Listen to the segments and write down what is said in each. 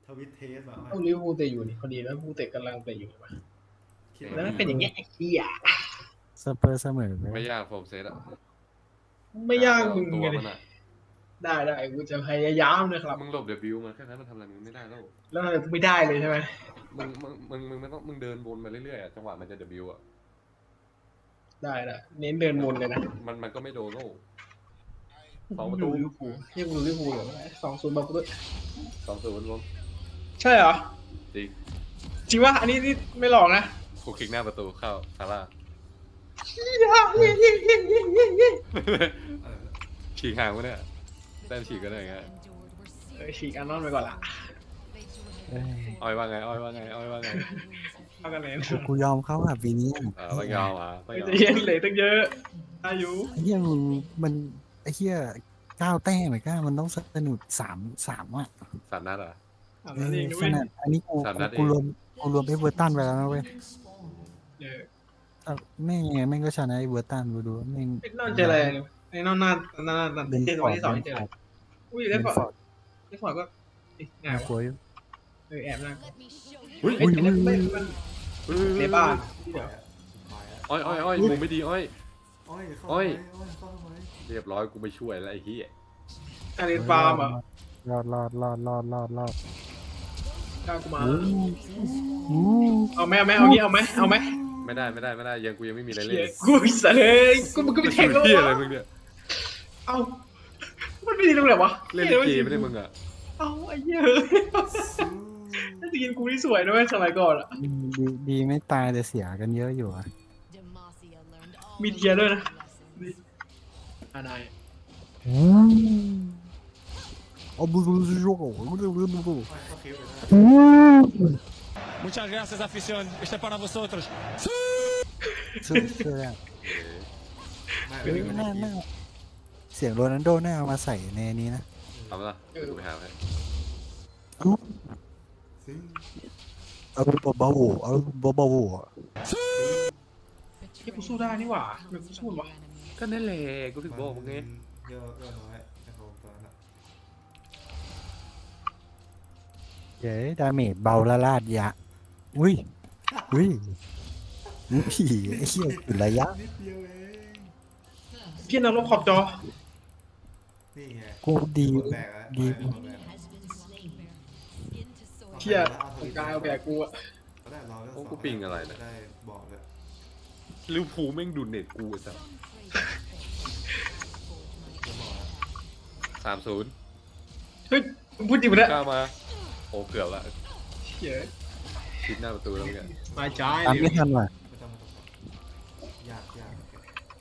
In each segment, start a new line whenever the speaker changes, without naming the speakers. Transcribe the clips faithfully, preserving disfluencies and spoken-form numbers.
ทวิตเทสแบบ
ต้องลิเวอร์พูลเตะอยู่นี่พอดีแล้วลิเวอร์พูลเตะกำลังเตะอยู่ป่ะแล้วมันเป็นอย่างเงี้ยไอ้เหี้ย
สเปอร์เสมอ
ไม่ยากโฟมเซตอะ
ไม่ยากมึง
ตัว
ไง
มันอะ
ได้ได้กูจะพยายามนะครับ
มึงหลบเดบิวมันแค่นั้นมันทำอะไรมึงไม่ได้แล้ว
แล้วทำไมกูไม่ได้เลยใช่ไหม
มึงมึงมึงมึงไม่ต้องมึงเดินวนมาเรื่อยๆอะจังหวะมันจะเดบิวอะ
ได้ได้เน้นเดินวนเลยนะ
มันมันก็ไม่โดนโลสอง
ป
ประ ระ
ตู
ตู
ลิเวอร์พูลเรียกกูลิเวอร์พูลเหรอสองศูนย์บอกกูด้วย
สองศูนย์รวม
ใช่เหรอ
จริง
จริงวะอันนี้นี่ไม่หลอกนะ
กูคลิกหน้าประตูเข้าซาร่า
เย้เย้เย้เย้เย้เย้
ฉีกห่างวะเนี่ยได้ฉีกก็ได้ไง
เออฉีกอันนอนไปก่อนละ
เอ้ย
อ้อยว่าไงอ้อยว่าไงอ้อยว่าไง
เท่ากันเลย
กูกูยอมเขาอ่ะปีนี้
เออไม่ยอมอ่ะไม่ยอม
จะเย็นเหลยตั้งเยอะอายุ
ไอ้เหี้ยมึงมันไอ้เหี้ยเก้าแต้มไอ้ก้ามันต้องสนุกสามสามอ่ะ
สามนัดเหรอ
อ่ะ
เอ
นั่น
อ
เองด้
ข
วย
นาดอันนี้กู
สามนัดเอง
กูรวมกูรวมไอ้เวอร์ตันไปแล้วนะเว้ย
เออ
แต่แม่งไงแม่งก็ชนะไอ้เวอร์ตันกูดูแม่ง
ไอ้นอนเจออะไรไอ้นอนหน้าหน้าหน้า
เล่น
เจอ
ฟ
วั
อน ร์ด
ที่สอง
เล่น
ที่เจอ
ฟอร์ด
อุ้ย
เล่
เล่
น
นฟอร์
ฟ
ด
อร์ด
เล่นฟอร์ดก็เอ๊ะง่า
น่าย กลัว
วะ
อยู่
เออแอบนะ
อุ้ย
เอ้ยเล่นเล่นมัน
เฮ้ย
ในบ้านเดี๋ยว
อ้อยอ้อยอ้อยมุมไม่ดีอ้อย
อ้อยเข้า
อ้อย
ไปอ้อยเข้าไป
เรียบร้อยกูไม่ช่วยแล้วไอ้เหี้ย
อันนี้ฟาร์มอ่ะ
รอดรอดรอดรอดรอดรอด
กล้ากูมา
อู้อู้
เอาไหมเอาไหมเอางี้เอาไหมเอาไหม
ไม่ได้ไม่ได้ไม่ได้ยังกูยังไม่มีอะไร
เหี้
เล่
ย
น
กูเสยเลยกูมันก็ไปแทง
กู
แล้ว
เหี้ยอะไร
วะ
มึงเนี่ย
เอ้ามันไม่ดีตรงไหนวะ
เล่นลิเกไม่ได้มึงอ่ะ
เอ้าไอ้เหี้ยเฮ้ยน่าจะกินกูที่สวยนะเว้ยสมัยก่อนอ่ะ
ดีดีไม่ตายแต่เสียกันเยอะอยู่อ่ะ
มีเทียร์ด้วยนะอ่านาย
อืมเอาบูบูบูบูบูบูบูบูบู
อ้อยเข้าคิวเลยนะ
Muchas gracias, afición. Este es para vosotros.
สุดเชื่อ
ไม่
เฮ้ย
ไม่
น่า
ไม่
น่าเสียงโรนัลโดน่าเอามาใส่ในนี้นะ
ทำละกูไปหาให้
ซึ่ง
เอาเบาๆเอาเบา
เฮ้ยกูสู้ได้นี่หว่าทำไมกูสู้วะ
ก็นั่นแหละกูถึงบอกมึงไง
เยอะเยอะน้อยนะครับผมตอนนั้นอะ
ๆเย้ดาเมจเบาละลาดยะอุ้ยอุ้ยอุ้ยไอ้เหี้ยจุดระยะ
นิดเดียวเอง
พี่นรกขอบจอ
นี่ไง
กูดี
กดแบกอะ
ดี
กดแบก
เที่ยของกายเอาแบกกูอะ
ก็ได้รอเรื่อง
โอ้
สอง
กูปิงอะไรเนี่ย
ได้บอกเลย
ลิเวอร์พูลแม่งดูเน็ตกูไอ้สัส
จะบอกนะ
สามศูนย์
เฮ้ยมึงพูดจริงปะเนี่ย
กล้ามาโอ้เกือบละ
เหี้ย
ชิดหน้าประตูแล้วเนี่ย
มาใจ
ตาม
เล
ไม่
ย
ทันว่ะ
ไม่ต้องไม่ต้องยากยากโอเค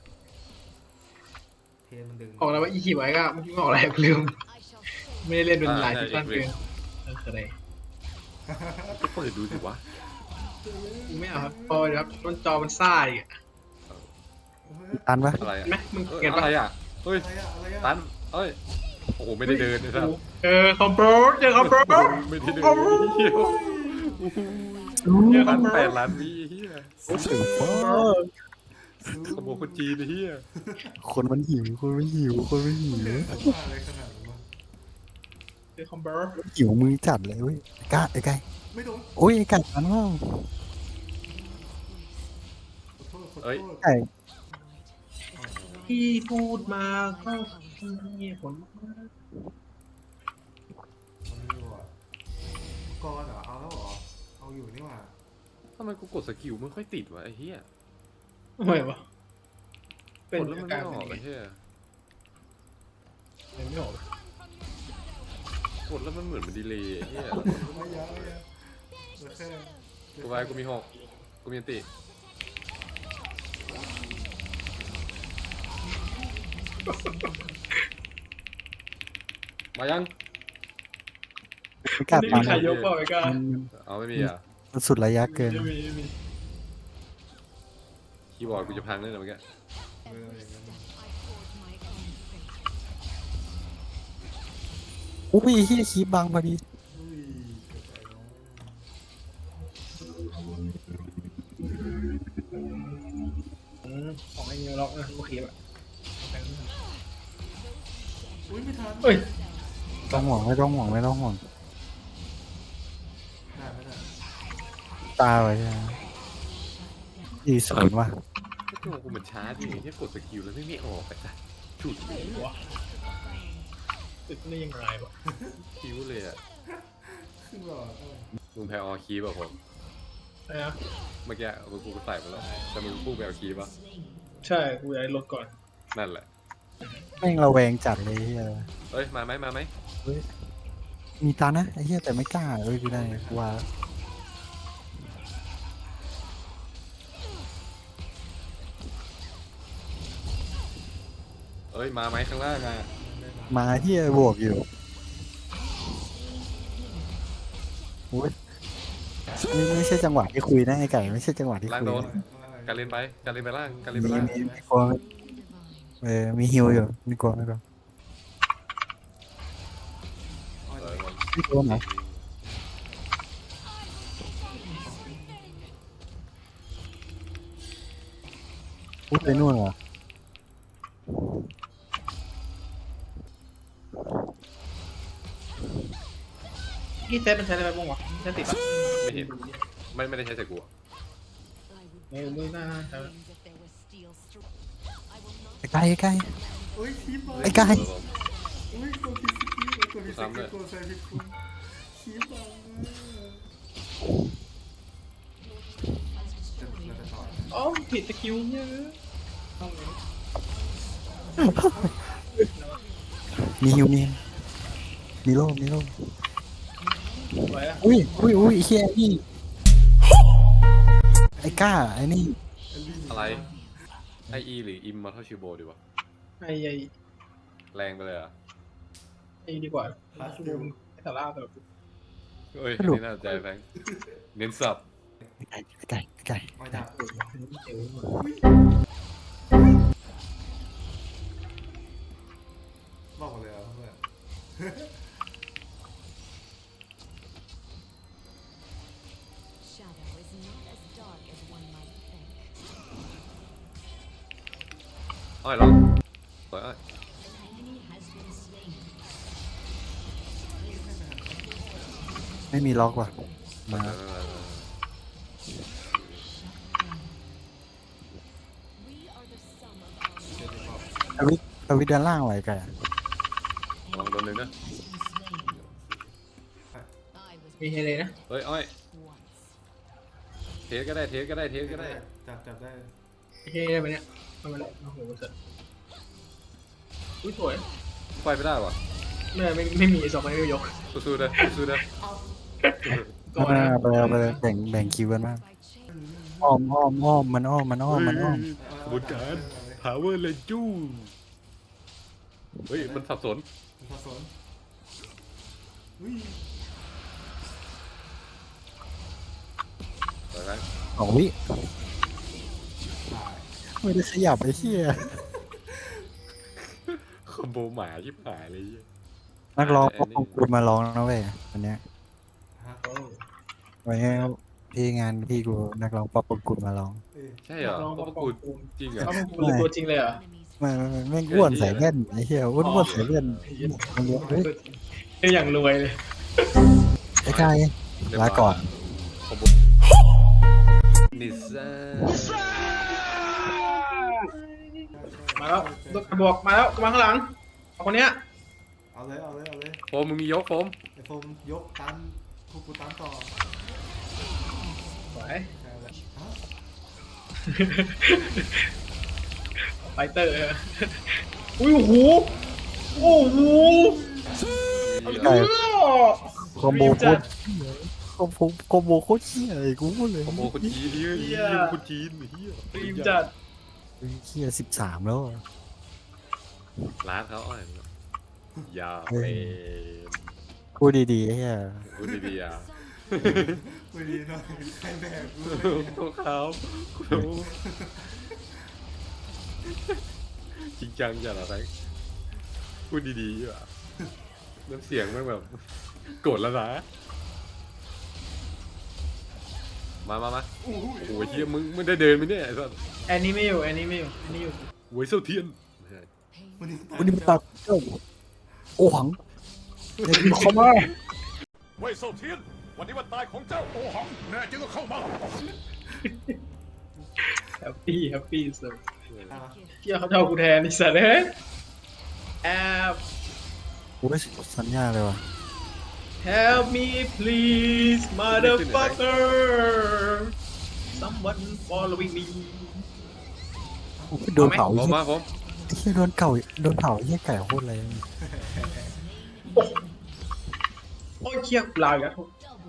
เพนมันดึง
ออกแล้วว่าอีคิวไว้ก็เมื่อกี้มึงออกอะไรกูลืมไม่ได้เล่นเป็นหลายซีซั่นเกินเออคืออะไร
ก็เปิดดูสิวะ
กูไม่เอาครับพอเดี๋ยวครับมันจอมันซ่าอีกอะ
ตันปะ
อะไร
เห็
อะ
นไหมมึง
เอ้ย
เก็บ
อะ
ปะ
ไรอ่ะเฮ้ย
อะไรอะอะไรอะ
ตันเอ้ยโอ้โหไม่ได้เดินนะครับ
เออคอมโบเจอคอมโบ
ไม่ได้เดินเฮียเฮียล้านแปดล้านวิเฮีย
โอ้โหฟ้า
ขโมยคนจีนเฮีย
คนมันหิวคนมันหิวคนมันหิว
อะไรขนาดนั้นวะ
เจอคอมโบ
หิวมือจัดเลยเว้ยไอ้กาไอ้ไก่
ไม่โดน
โอ้ยไอ้ไก่มันว่า
ขอโทษขอโทษ
เอ้ย
ไก่
ที่พูดมาก็มีผลมาก
มันไม่รู้อ่ะก่อนเหรอเอาแล้วเหรอเอาอยู่นี่หว่า
ทำไมกูกดสกิลไม่ค่อยติดวะไอ้เฮีย
ทำไมวะ
กดแล้วมันไม่ออกไอ้เฮีย
เป็นไม่ออก
กดแล้วมันเหมือนมันดีเลย์ไอ้เฮีย
ไม่ยาวไม่ยาวเหลือแค่
กูไปกูมีหกกูมีอันติมายัง
ไม่กล้า
ไม่
ปั
มี
น
ใครยกเปล่าไอ้ก้า
มัน
เอาไม่มีอ่ะ
มันสุดระยะเกิน
ไม่มีไม่มี
คีย์บอร์ดกูจะพังเลยนะเมื่อกี้
เอออย่างนั้น
อุ้ยเฮียคีบบังพอดี
อุ้ยเกิดอะไรเนาะ
อืมของไอ้เงี้ยล็อกนะโอเคแบบ
อุ้ยไม่ทัน
เอ้ย
ต้องห่วงไม่ต้องห่วงไม่ต้องห่วงตาไว้ใช่ไหมอีศูนย์ว่ะ
ก็ตัวกูมันช้าดิแค่กดสกิลแล้วไม่ไม่ออกไปจ้ะฉุด
วะติดนี่ยังไงวะ
คิ้วเลยอ่ะ
ขึ้นหลอดอะไร
มึงแพ้ออคีป่ะผม
ไอ้นะ
เมื่อกี้มึงกูใส่มาแล้วแต่มึงพุ่งไปเอาคีป่ะ
ใช่กูอยากให้ลดก่อน
นั่นแหละ
แม่งระแวงจัดเลยเฮีย
เอ้ยมาไหมมาไหม
มีตานะไอ้เฮียแต่ไม่กล้าเอ้ยกูได้กูว่า
เอ้ยมาไหมข้างล่างอ่ะ
มาเฮียบวกอยู่โอ้ยนี่ไม่ใช่จังหวะที่คุยนะไอ้ไก่ไม่ใช่จังหวะที่
ล่าง
คุย
โดน
นะ
การเล่นไปการเล่นไปล่างการเล่น
มี
ไปล่าง
มีมีกลัวเออมีฮิวอยู่ไม่กลัวไม่กลัว
เออ
ไม่กลัวไหนพูดไปนู่นเหรอ
นี่เซตมันใช้อะไรบ้างวะใช้ติดปะ
ไม่เห็นไม่ไม่ได้ใช้ใส่กูอะ
ไม่ไม่น่าใช้
ไอ้ไก่ไอ้ไก่
อุ้ยคีบเลย
ไอ้ไก่
อุ้ยตัวพีสกีตัวพีสกีตัวใส่พีคุณคีบเลยจะจะต่อย
อ๋อผิดสกิลเนี่ยต้องเลย
มีฮิวมีมีโล่มีโล่
ไว้ละ
อุ้ยอุ้ยอุ้ยไอ้เฮียนี่ไอ้ก้าไอ้นี่
อะไรไออีหรืออิมมาเท่าชิวโบดีวะ
ไอ้ไอ้
แรงไปเลยเหรอ่ะ
ไอ้ดีกว่าชูมไอ้สาราแบบ
เอ้ยนี่น่าใจแฟงเน้นสับ
ไก่ไก่ไก่
ไม่จับ
เออเจ๋งว่ะ
บอกหมดเลยเหรอเพื่อน
อ้อยลองสวยอ้อย
ไม่มีล็อกว่ะมา
เออ
ทวิตทวิตด้านล่างไว้ไก่
ลองโดนหนึ่งนะ
มีเฮเลยนะ
เฮ้ยอ้อยเทสก็ได้เทสก็ได้เทสก็ได้
จับจับได้
เฮได้ไหมเนี่ยทำไมเนี่ยโอ้โหเสร็จอุ้ยสวย
ไฟไม่ได้วะ
ไม่ไม่ไม่มีสองคนไม่ยก
สู้ๆเลยสู้ๆเลย
ก่อน
มา
นะ
ไปเลยไปเลยแบ่งแบ่งคิวกันมากอ้อมอ้อมอ้อมมันอ้อมมันอ้อมมันอ้อม
ขบวนการ power เลยจู้เฮ้ยมันสับสน
ผสมอุ้ย
สวยไหม
สองวิไม่ได้ขยับไอ้เหี้ย
คอมโบหมาชิบหายเลย
นักร้องก็คงคุณมาร้องนะเว้ยวันเนี้ย
ฮะ
โอ้
วันนี้พี่งานพี่กูนักร้องป๊อปปกุลมาร้อง
เอ้ย
ใช่เหรอ
ลอง
เขา
มา
ประ
ป
กู
อ
ด
กู
จริงเหรอ
เขาประกูเลยตัวจริงเลยเหรอ
ไม่ไม่ไม่ไม่อ้วนใส่แว่นไอ้เหี้ยอ้วนอ้วนใส่แว่นมันเยอะเฮ้ย
เอ้ยอย่างรวยเลย
ไอ้กายลาก่อน
คอมโบนิซ่า
มาแล้วตัวกระบอกมาแล้วมาข้างหลังเอาคนเนี้ย
เอาเลยเอาเลยเอาเลย
โฟมมึงมียกโฟม
ไอ้โฟมยกตันพวกกูตันต่อ
สวย
ใช่เลยฮะ
ไฟเตอร์อุ้ยโอ้โหโอ้โห
ไก่
เออ
คอมโบ
รีบ
โค
จั
ต
ด
รคอมโบคอมโบโคตรเหี้ยเลยกูพูดเลย
คอมโบคนจีนเฮีย
เหี้
เฮี
ย
ยคนจีนเฮีย
รีบจัด
เหี้ยสิบสามแล้ว
ร้านเขาอ้อยอย่าเปน
พูดดีๆไอ้เหี้ย
พูดดีๆอ่ะ
ไม่ดีหน่อยใครแบกกู
ตัวเขาคุณจริงจังจังเหรอแฟงพูดดีๆอ่ะน้ำเสียงมันแบบโกรธแล้วนะมามามาโอ้ยเฮียมึงมึงได้เดินไหมเนี่ยไอ้สัส
แอนนี้ไม่อยู่แอนนี้ไม่อยู่แอนนี้อยู่
โวยเส้าเทียน
วันนี้
วันนี้มันตัดเจ้าโอ้หังเด็กเข้ามา
เว่ยเซาเทียนวันนี้วันตายของเจ้าโอหังแน่จริงก็เข้ามา
แฮปปี้แฮปปี้สุด
อ่ะ
เที่ยเขาจะเอากูแทนนี่สัตว์เอ้ยแอบ
กูไม่สัญญาเลยว่ะ
help me please motherfucker someone following me
กูไปโดนเผา
ผ
ไอ้
ม
เหี้ย
มาผม
ไอ้เหี้ยโดนเก่าโดนเผาไอ้เหี้ยไก่โคตรเลย
โอ้ยเชี่ยลาวอีกแล้ว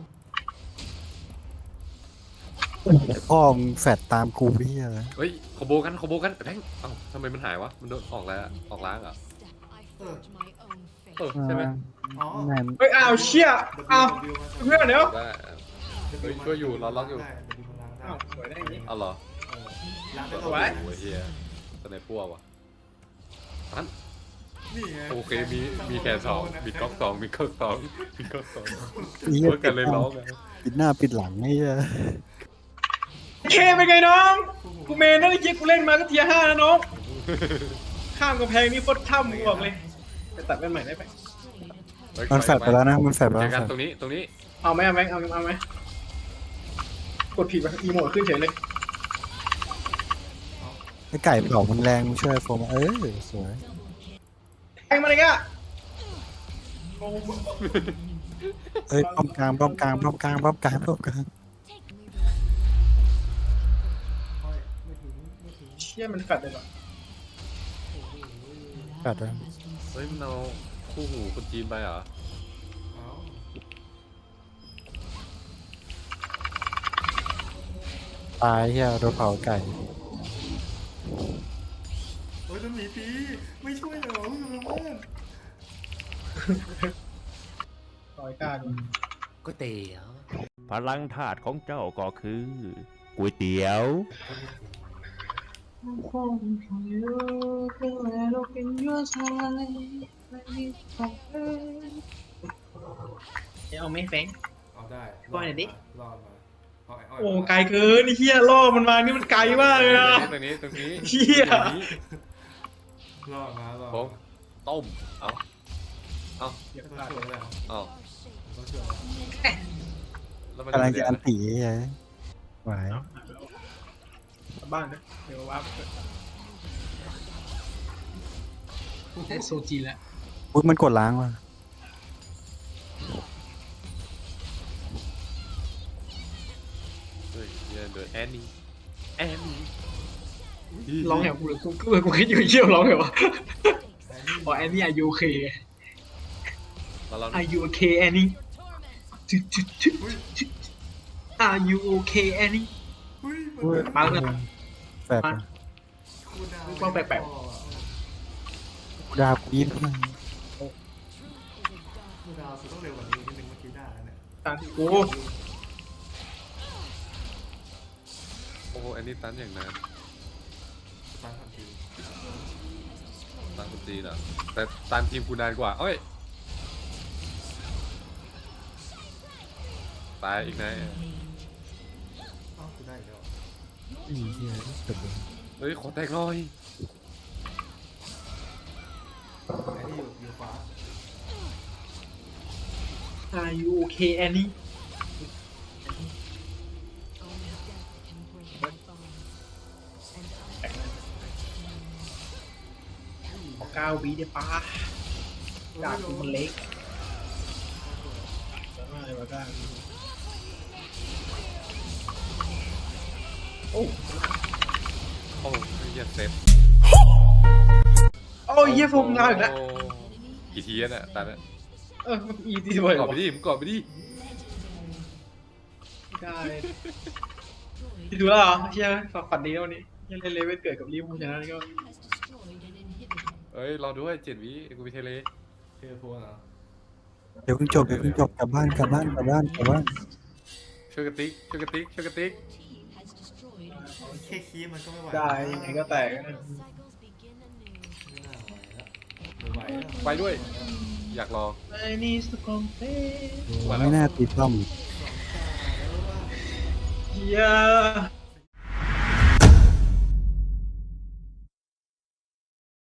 พ่อมึงแฟดตามกูไอ้เหี้ยเลย
เฮ้ยขโบกันขโบกันแบงค์เอ้าทำไมมันหายวะมันโดนออกแล้วอะออกล้างเหรอ่ะเออใช่ไหม
อ๋อ
แม่ง
เฮ้ยอ้าวเชี่ยอ้าวเพื่อนเดี๋ยว
ได้เฮ้ยช่วยอยู่รอล็อกอยู่
ได้ W มันล้างได้
อ้าวสวยได้อย่างนี้
เอาเหรอ
เออล้างได้
โอ้
ตัว
โหเฮียสไนเปอร์ว่ะตัน
นี่ไง
โอเคมีมีแขนสองมีก๊อกสองมีก๊อกสองมีก๊อกสอง
ไอ้เหี้ย
เวิร์กกันเลยร้องอะ
ปิดหน้าปิดหลังไอ้เหี้ย
เคเป็นไงน้องกูเมนนั่นไอ้เจี๊ยกูเล่นมาก็เทียร์ห้านะน้องข้ามกำแพงนี่โคตรถ้ำกูบอกเลยไปตัดเป็นใหม่ได้ไหม
เฮ้ย
มันแฟดไปแล้วนะมันแฟดไป
เจ
แล้
อ
ว
กัน
แฟด
ตรงนี้ตรงนี้
เอาไหมเอาไหมเอาเอาไหมกดผิดไปอีโมดขึ้นเฉยเลย
ไอ้ไก่เผามันแรงมึงช่วยโฟมเออสวย
แทงมาเลยอ่ะ
เอ้ยป้อมกลางป้อมกลางป้อมกลางป้อมกลางป้อมกลาง
ค่อยไม่ถึงไม่ถึง
เชี่ยมันแฟดเลยเหรอ
แฟดเลย
เฮ้ยมันเอาคู่หูคนจีนไปเหรอ
เอา
ตายเหี้ยโดนเผาไก่
โอ้ยโดนหมีตีไม่ช่วยเหรอคุณละเมิด
รอยกล้าดู
ก๋วยเตี๋ยว
พลังธาตุของเจ้าก็คือก๋วยเตี๋ยว
เอาไหมแฟง
เอาได้
ปล่อยหน่อยดิ
รอดมาปล่อย
โอ้ไกลเกินไอ้เหี้ยล่อมันมานี่มันไกลมากเลยนะ
ตรงนี้ตรงนี้
เหี้ย
ตรงนี้
รอดมารอด
ผมต้มเอาเอา
เดี๋ยว
ต้อง
พลาด
ช่วยแล้ว
เอา
ต้องช่วย
แล้วมัน
กำลัง
เดื
จะ
อด
อัน
นะ
ตีไอ้ไหว
กลับบ้านนะเดี๋ยววับได้โซจีแล้ว
อุ้ยมันกดล้างว่ะ
เฮ้ยเหี้ยเดือดแอนนี่แอนนี่
ร้องแหบกูเลยกูกูกูคิดอยู่เชี่ยวร้องเหรอวะอ๋อแอนนี่อายุโอเค
แล้วเรา
อายุโอเคแอนนี่จุดจุดจุดจุดอายุโอเคแอนนี่
อุ้ย
อุ้ย
มาแล้ว
แฟด
มา
คูดาว
ว่าแปลก
ดาบยิน
คูดาวสุดต้องเร็วกว่านี้นิดนึงเมื่อกี้ได้แล้วเนี่ย
ตามที่กู
โอ้โหแอนนี่ตันอย่างนาน
ตั้งทันที
ตันคนจีนอ่ะแต่ตันทีมกูนานกว่าเอ้ยตายอีกนะ
อ้าวกูได้อีกแล้ว
อีเหี้ยจบเลย
เฮ้ยขอแตกหน่อย
ไอ้นี่อยู่อยู่ขวา
อายุโอเคแอนนี่ขอเก้าวิได้ปะดาบกูมันเล็กอะไรวะก้าโอ้
โอ้ยเหี้ยเซฟ
โอ้ยเยี่ยโฟมลาอีกแล้ว
โอ้กี่ทีแล้วเนี่ยตันอ่ะ
เอออีทีบ่อย
ก
ก
อ
ว่า
ดไปดิมึงกอดไปดิ
ได้ที่ดูแล้วเหรอเชี่ยฝันฝันดีแล้ววันนี้ยังเล่นเลเวลเกิดกับลิเวอร์พูลชนะนี่ก็
เอ้ยรอด้วยเจ็ดวิกูไปเทเล
เทเลโฟนเหรอ
เดี๋ยวเพิ่งจบเดี๋ยวเพิ่งจบกลับบ้านกลับบ้านกลับบ้านกลับบ้าน
ช่วยกระติกช่วยกระติกช่วยกระติก
แค่คีย์มันก็ไม่ไหว
ได้ยังไงก็แตก
ไม่น่าไหวแล้วไม่ไหวแล้ว
ไปด้วย อยากรอ
I need to compare
ไม่น่าตีป้อม
yeah